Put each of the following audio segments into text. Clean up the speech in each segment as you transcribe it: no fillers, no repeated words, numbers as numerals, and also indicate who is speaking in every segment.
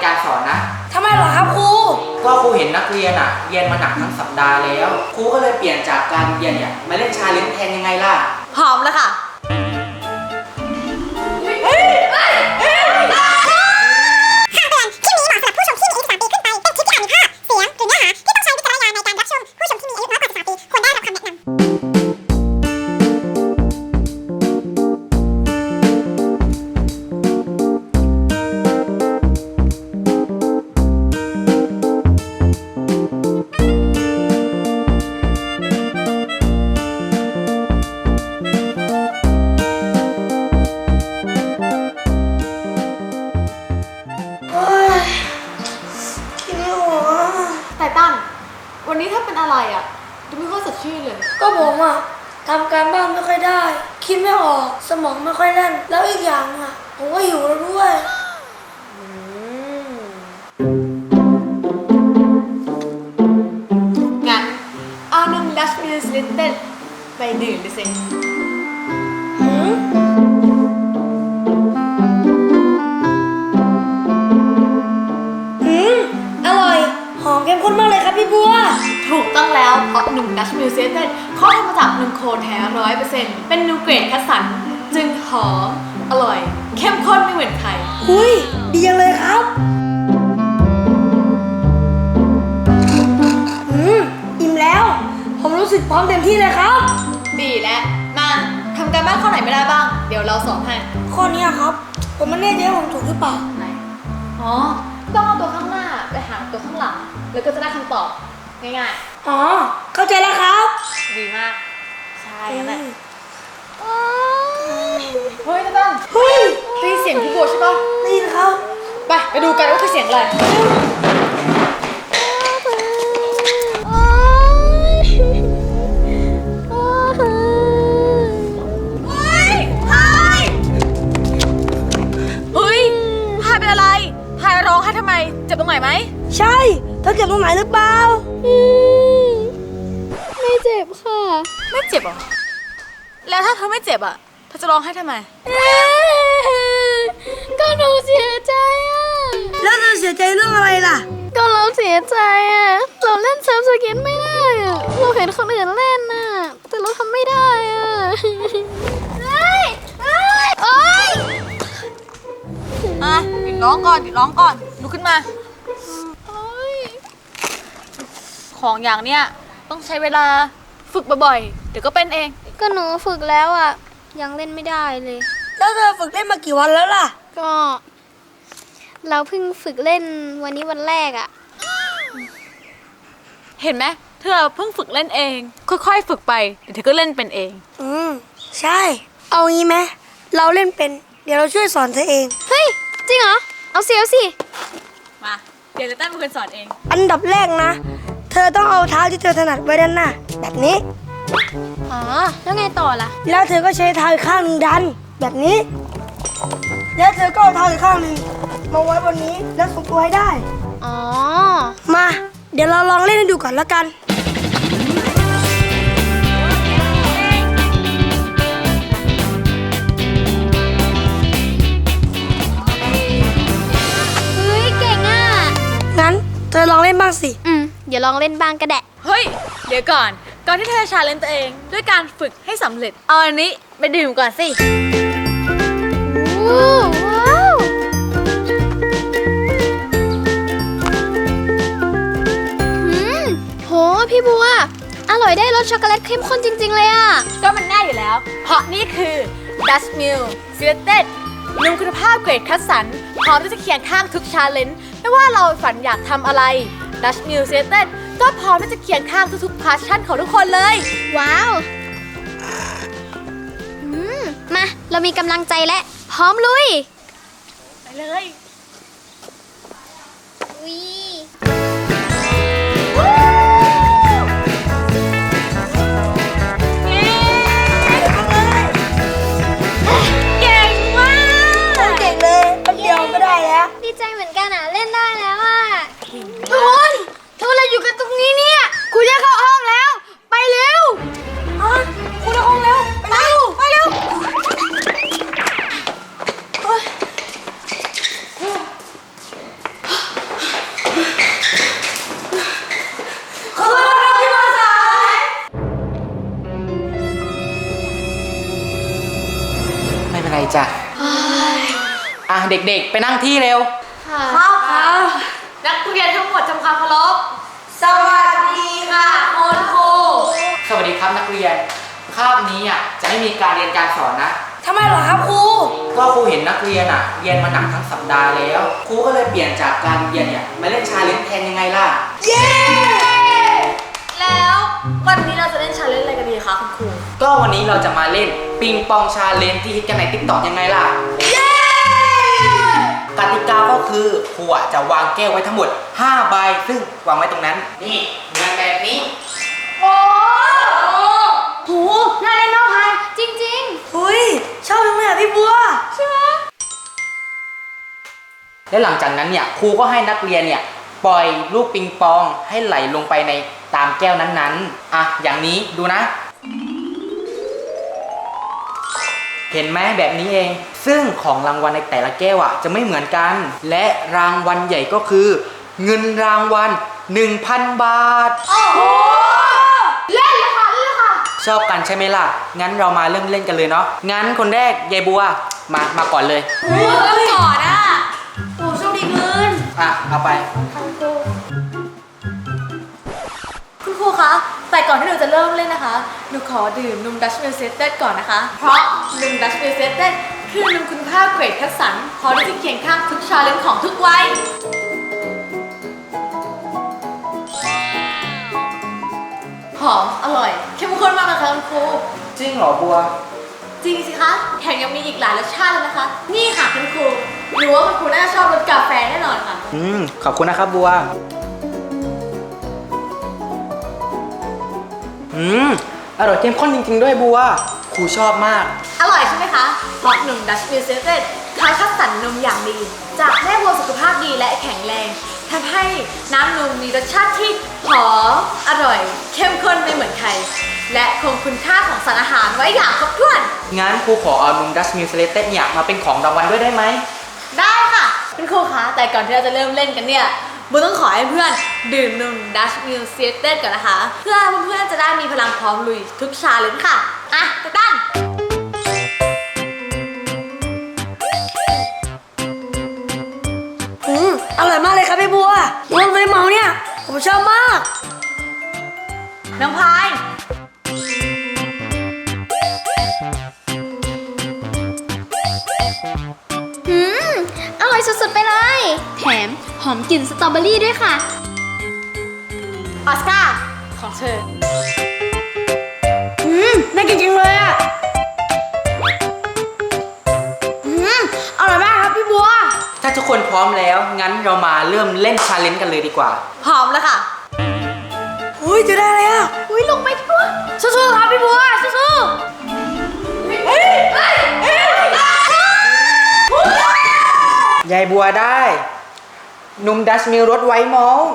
Speaker 1: การสอนนะ
Speaker 2: ทำไมเหรอครับครู
Speaker 1: ก็ครูเห็นนักเรียนเรียนมาหนักทั้งสัปดาห์แล้วครูก็เลยเปลี่ยนจากการเรียนเนี่ยมาเล่นชาเลนจ์แทนยังไงล่ะ
Speaker 3: หอมแล้วค่ะวันนี้ถ้าเป็นอะไรดูไม่ค่อยสดชื่นเลย
Speaker 2: ก็ผมทำการบ้านไม่ค่อยได้คิดไม่ออกสมองไม่ค่อยแล่นแล้วอีกอย่างผมก็หิวแล้วด้วย
Speaker 3: งั้นเอาหนึ่งดัชมิลส์ลิตเติ้ลไปดื่มดิสิ
Speaker 2: อร่อยหอมเข้มข้นมากเลยครับพี่บัว
Speaker 3: ถูกต้องแล้วเพราะหนึ่งดัชมิลส์ลิตเติ้ลเขาทำมาจากนมโคแท้ 100% เป็นนูเกรดคัดสรรจึงหอมอร่อยเข้มข้นไม่เหมือนใคร
Speaker 2: ดีจังเลยครับอิ่มแล้วผมรู้สึกพร้อมเต็มที่เลยครับ
Speaker 3: ดีแล้วมาทำการบ้านข้อไหนไม่ได้บ้างเดี๋ยวเราสอนให้
Speaker 2: ข้อนี้ครับผมไม่แน่ใจว่าผมถูกหรือเปล่า
Speaker 3: ไหนต้องเอาตัวข้างหน้าไปหาตัวข้างหลังแล้วก็จะได้คำตอบง่าย
Speaker 2: เข้าใจแล้วครับ
Speaker 3: ดีมากใช่นั่นแหละเฮ้ยต้นได้ยินเสียงพี่บัวใช่ปะ
Speaker 2: ได้ยินครับ
Speaker 3: ไปดูกันว่าคือเสียงอะไรร้องให้ทำไมเจ็บตรงไหนไหม
Speaker 2: ใช่เธอเจ็บตรงไหนหรือเปล่า
Speaker 4: ไม่เจ็บค่ะ
Speaker 3: ไม่เจ็บหรอแล้วถ้าเธอไม่เจ็บเธอจะร้องให้ทำไม
Speaker 4: ก็หนูเสียใจ
Speaker 2: แล้วเธอเสียใจเรื่องอะไรล่ะ
Speaker 4: ก็เราเสียใจเราเล่นเซิร์ฟสเก็ตไม่ได้เราเห็นคนอื่นเล่นแต่เราทำไม่ได้
Speaker 3: โอ๊ยหยุดร้องก่อนลุกขึ้นมาของอย่างเนี้ยต้องใช้เวลาฝึกบ่อยๆเดี๋ยวก็เป็นเอง
Speaker 4: ก็หนูฝึกแล้วยังเล่นไม่ได้เลย
Speaker 2: แล้วเธอฝึกเล่นมากี่วันแล้วล่ะ
Speaker 4: ก็เราเพิ่งฝึกเล่นวันนี้วันแรก
Speaker 3: เห็นไหมเธอเพิ่งฝึกเล่นเองค่อยๆฝึกไปเดี๋ยวเธอก็เล่นเป็นเอง
Speaker 2: ใช่เอางี้ไหมเราเล่นเป็นเดี๋ยวเราช่วยสอนเธอเอง
Speaker 4: เฮ้ยจริงเหรอเอาสิ
Speaker 3: มาเดี๋ยวจะตั้งเป็นคนสอนเอง
Speaker 2: อันดับแรกนะเธอต้องเอาเท้าที่เธอถนัดไว้ด้านหน้าแบบนี้
Speaker 4: แล้วไงต่อล่ะ
Speaker 2: แล้วเธอก็ใช้เท้าอีกข้างหนึ่งดันแบบนี้แล้วเธอก็เอาเท้าอีกข้างหนึ่งมาไว้บนนี้แล้วทรงตัวให้ได้มาเดี๋ยวเราลองเล่นให้ดูก่อนแล้วกันงั้นเธอลองเล่นบ้างสิ
Speaker 4: เดี๋ยวลองเล่นบ้างก็ได้
Speaker 3: เฮ้ยเดี๋ยวก่อนที่เธอจะชาเลนจ์ตัวเองด้วยการฝึกให้สำเร็จเอาอันนี้ไปดื่มก่อนสิ
Speaker 4: ว้าวโหพี่บัวอร่อยได้รสช็อกโกแลตเข้มข้นจริงๆเลย
Speaker 3: ก็มันแน่อยู่แล้วเพราะนี่คือ Dutch Mill Selected นมคุณภาพเกรดคัดสรรพร้อมที่จะเคียงข้างทุกชาเลนจ์ไม่ว่าเราฝันอยากทำอะไร Dutch Mill Selected ก็พร้อมที่จะเคียงข้างทุกๆพาชั่นของทุกคนเลย
Speaker 4: ว้าวมาเรามีกำลังใจและพร้อมลุย
Speaker 3: ไปเลย
Speaker 4: ดีใจเหมือนกันเล่นได้แล้ว
Speaker 2: ทุกคนอะไรอยู่กันตรงนี้เนี่ยครูจะเข้าห้องแล้วไปเร็วครูเข้าห้องแล้วไปเร็ว
Speaker 1: เด็กๆ ไปนั่งที่เร็ว
Speaker 3: ครับนักเรียนทั้งหมดทำความเคารพสวัสดีค่ะคุณครู
Speaker 1: สวัสดีครับนักเรียนคาบนี้จะไม่มีการเรียนการสอนนะ
Speaker 2: ทำไมเหรอครับครู
Speaker 1: ก็ครูเห็นนักเรียนเรียนมาหนักทั้งสัปดาห์แล้วครูก็เลยเปลี่ยนจากการเรียนมาเล่นชาเลนจ์แทนยังไงล่ะ
Speaker 2: เย้
Speaker 3: แล้ววันนี้เราจะเล่นชาเลนจ์อะไรกันดีคะคุณครู
Speaker 1: ก็วันนี้เราจะมาเล่นปิงปองชาเลนจ์ที่ฮิตกันใน TikTok ยังไงล่ะ กติกาก็คือครูจะวางแก้วไว้ทั้งหมด5ใบซึ่งวางไว้ตรงนั้นนี่เหมือนแบบนี้
Speaker 3: โอ้
Speaker 2: โหน่าเล่นมากพาย
Speaker 3: จริง
Speaker 2: หุยชอบจังเลยอ่ะพี่บัว
Speaker 3: ๆใช่ไหม
Speaker 1: และหลังจากนั้นครูก็ให้นักเรียนปล่อยลูกปิงปองให้ไหลลงไปในตามแก้วนั้นๆอย่างนี้ดูนะ เห็นไหมแบบนี้เอง ซึ่งของรางวัลในแต่ละแก้วจะไม่เหมือนกัน และรางวัลใหญ่ก็คือ เงินรางวัล 1,000 บาท
Speaker 3: โอ้โหเล่นเลยค่ะเล่นเลยค่ะ
Speaker 1: ชอบกันใช่ไหมล่ะ งั้นเรามาเริ่มเล่นกันเลยเนาะ งั้นคนแรกยายบัวมาก่อนเลย
Speaker 3: เริ่มก่อนอ่ะ
Speaker 2: โอ้โชคดีเงิน
Speaker 1: เอาไป
Speaker 3: คุณครูคะแต่ก่อนที่หนูจะเริ่มเล่นนะคะหนูขอดื่มนมดัชมิลเซตเต็ดก่อนนะคะ เพราะนมดัชมิลเซตเต็ดคือนมคุณภาพเกรดคัดสรรพร้อมที่จะเคียงข้างทุกชาเลนจ์ของทุกวัยหอมอร่อยเข้มข้นมากเลยค่ะคุณครู
Speaker 1: จริงเหรอบัว
Speaker 3: จริงสิคะแถมยังมีอีกหลายรสชาติเลยนะคะ นี่ค่ะคุณครูหนูว่าคุณครูน่าจะชอบรสกาแฟแน่นอนค่ะ
Speaker 1: ขอบคุณนะครับบัว อร่อยเข้มข้นจริงๆด้วยบัว ครูชอบมาก
Speaker 3: อร่อยใช่ไหมคะ เพราะนมดัชมิลเซตเต็ดเขาคัดสรรนมอย่างดี จากแม่วัวสุขภาพดีและแข็งแรงทำให้น้ำนมมีรสชาติที่หอมอร่อย เข้มข้นไม่เหมือนใคร และคงคุณค่าของสารอาหารไว้อย่างครบถ้วน
Speaker 1: งั้นครูขอเอานมดัชมิลเ e เต็ดมาเป็นของรางวัลด้วยได้ไหม
Speaker 3: ได้ค่ะคุณครูคะแต่ก่อนที่เราจะเริ่มเล่นกันเนี่ยบูต้องขอให้เพื่อนดื่มนมดัชมิลเซตเต็ดก่อนนะคะ เพื่อเพื่อนๆจะได้มีพลังพร้อมลุยทุกชาเลนจ์ค่ะอ่ะไปตั้ง
Speaker 2: อร่อยมากเลยครับพี่บัวรสเลยเมาเนี่ยผมชอบมาก
Speaker 3: น้องพาย
Speaker 4: อร่อยสุดๆไปเลย แถมหอมกลิ่นสตรอเบอรี่ด้วยค่ะ
Speaker 3: ออสการ์ของเธอ
Speaker 2: น่ากินจริงเลยอ่ะอร่อยมากครับพี่บัว
Speaker 1: ถ้าทุกคนพร้อมแล้ว งั้นเรามาเริ่มเล่นชาเลนจ์กันเลยดีกว่า
Speaker 3: พร้อมแล้วค่ะ
Speaker 2: อุ้ยจะได้เลยอ่ะ
Speaker 3: อุ้ยลงไปทั่ว
Speaker 2: สู้ๆครับพี่บัวสู้
Speaker 1: ยายบัวได้นมดัชมิลรสไวท์มอลต์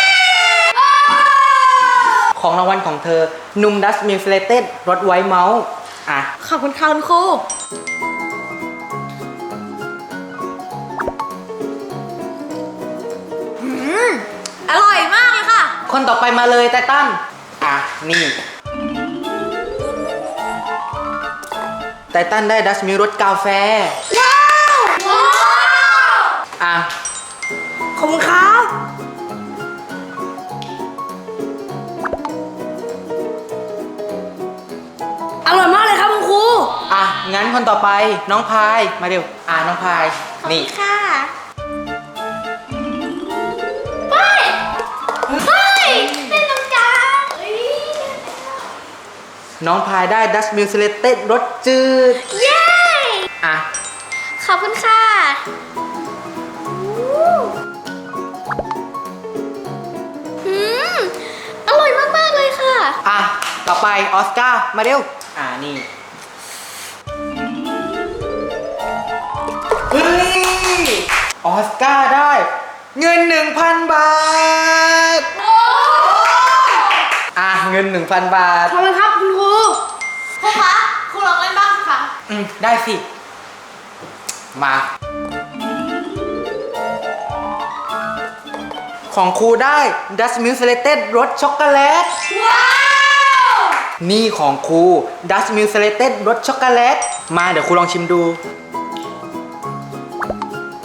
Speaker 1: ของรางวัลของเธอนมดัชมิลเ e เต็ดรสไวท์มอลต์
Speaker 3: ขอบคุณค่ะคุณครูอร่อยมากเลยค่ะ
Speaker 1: คนต่อไปมาเลยไตตันนี่ไตตันได้ดัชมิลรสกาแฟ
Speaker 2: ว้าว ขอบคุณครับอร่อยมากเลยครับคุณครู
Speaker 1: งั้นคนต่อไปน้องพายมาเร็วน้องพายนี่
Speaker 4: ค่ะ
Speaker 1: น้องพายได้ดัชมิลเ e เต็ดรสจืด
Speaker 4: เย้ ขอบคุณค่ะอร่อยมากๆเลยค่ะ
Speaker 1: ต่อไปออสการ์มาเร็วนี่เฮ้ยออสการ์ได้เงิน 1,000 บาทเงิน 1,000 บาท
Speaker 2: ขอบคุณครับคุณครู
Speaker 3: ครูคะครูลองเล่นบ้างสิคะ
Speaker 1: ได้สิ มา ของครูได้ดัชมิลเ e เต็ดรสช็อกโกแลต
Speaker 3: ว้าว
Speaker 1: นี่ของครูดัชมิลเ e เต็ดรสช็อกโกแลต มาเดี๋ยวครูลองชิมดู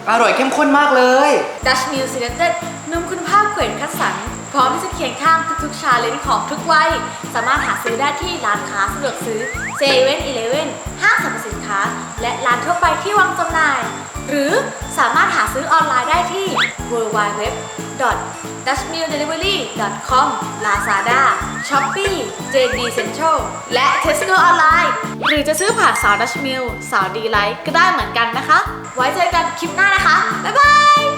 Speaker 1: อร่อยเข้มข้นมากเลย
Speaker 3: Dutch Mill Selected นมคุณภาพเกรดคัดสรรพร้อมที่จะเคียงข้างทุกๆชาเลนจ์ของทุกวัยสามารถหาซื้อได้ที่ร้านค้าสะดวกซื้อเซเว่นอีเลฟเว่นห้างสรรพสินค้าและร้านทั่วไปที่วางจำหน่าย หรือสามารถหาซื้อออนไลน์ได้ที่ www.dutchmilldelivery.com Lazada Shopee JD Central และ Tesco ออนไลน์หรือจะซื้อผ่านสาว Dutch Mill สาวดีไลท์ก็ได้เหมือนกันนะคะ ไว้เจอกันคลิปหน้านะคะ บ๊ายบาย